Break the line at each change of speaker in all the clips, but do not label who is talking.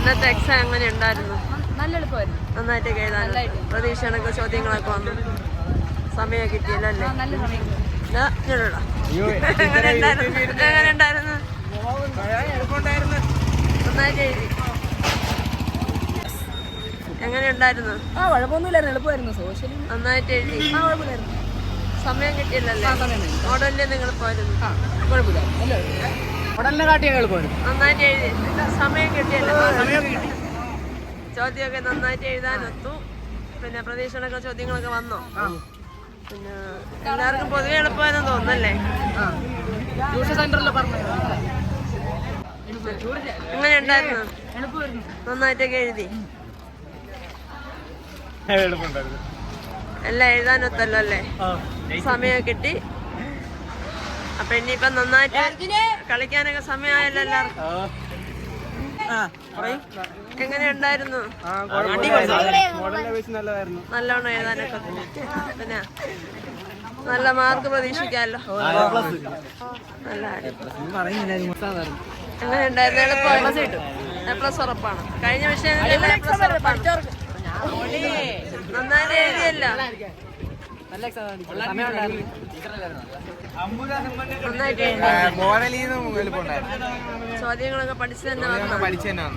ഇന്നത്തെ എക്സാം എങ്ങനെ ഉണ്ടായിരുന്നു?
നല്ല എളുപ്പമായിരുന്നു.
നന്നായിട്ട് എഴുതാൻ പ്രതീക്ഷ കണക്ക് ചോദ്യങ്ങളൊക്കെ വന്നു. സമയം കിട്ടിയല്ലോ അല്ലേ?
നല്ല സമയം.
എങ്ങനെ ഉണ്ടായിരുന്നു? നന്നായിട്ട് എഴുതി. എങ്ങനെ ഉണ്ടായിരുന്നു?
കുഴപ്പമൊന്നുമില്ലായിരുന്നു, എളുപ്പമായിരുന്നു. സോഷ്യൽ
നന്നായിട്ട് എഴുതി.
കുഴപ്പമില്ലായിരുന്നു.
സമയം കിട്ടിയില്ലല്ലേ? മോഡലിൽ നിങ്ങൾ പോയിരുന്നു.
കുഴപ്പമില്ല, മോഡലിനെ കാട്ടിയൊക്കെ എളുപ്പമായിരുന്നു.
നന്നായിട്ട് എഴുതി. സമയം കിട്ടിയല്ലോ? ചോദ്യമൊക്കെ നന്നായിട്ട് എഴുതാനൊത്തു. പിന്നെ പ്രതീക്ഷണൊക്കെ ചോദ്യങ്ങളൊക്കെ വന്നോ? പിന്നെ എല്ലാവർക്കും പൊതുവെ എളുപ്പമായെന്ന് തോന്നുന്നല്ലേ? എങ്ങനെ ഉണ്ടായിരുന്നു? നന്നായിട്ടൊക്കെ എഴുതി. എല്ലാം എഴുതാനൊത്തല്ലോ അല്ലേ? സമയം കിട്ടി. അപ്പൊ ഇനിയിപ്പം നന്നായിട്ട് കളിക്കാനൊക്കെ സമയമായല്ലോ എല്ലാവർക്കും. എങ്ങനെ ഉണ്ടായിരുന്നു? നല്ലോണം എഴുതാനൊക്കെ പിന്നെ നല്ല മാർക്ക് പ്രതീക്ഷിക്കാമല്ലോ. നല്ല എങ്ങനെ ഉണ്ടായിരുന്നു? എളുപ്പമായിരുന്നു. പ്ലസ് ഉറപ്പാണ്. കഴിഞ്ഞ വിഷയങ്ങളിൽ നന്നായിട്ട് എഴുതിയല്ലോ. ചോദ്യങ്ങളൊക്കെ പഠിച്ചു തന്നെ വന്നു.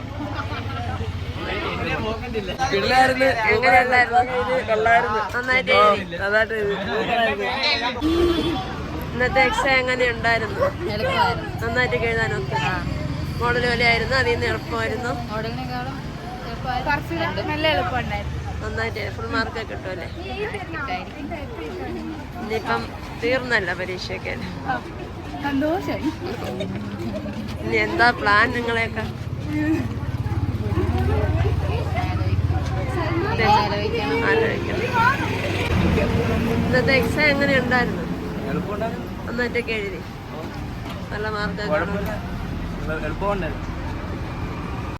ഇന്നത്തെ എക്സാം എങ്ങനെ ഉണ്ടായിരുന്നു? നന്നായിട്ട് എഴുതാനൊക്കെ മോഡൽ പോലെയായിരുന്നു. അതിൽ നിന്ന് എളുപ്പമായിരുന്നു. നന്നായിട്ട് ഫുൾ മാർക്ക് കിട്ടുമല്ലേ? ഇനിയിപ്പം തീർന്നല്ല പരീക്ഷയൊക്കെ. ഇനി എന്താ പ്ലാൻ നിങ്ങളെയൊക്കെ? ഇന്നത്തെ എക്സാം എങ്ങനെ ഉണ്ടായിരുന്നു? നന്നായിട്ടൊക്കെ എഴുതി. നല്ല മാർക്ക്.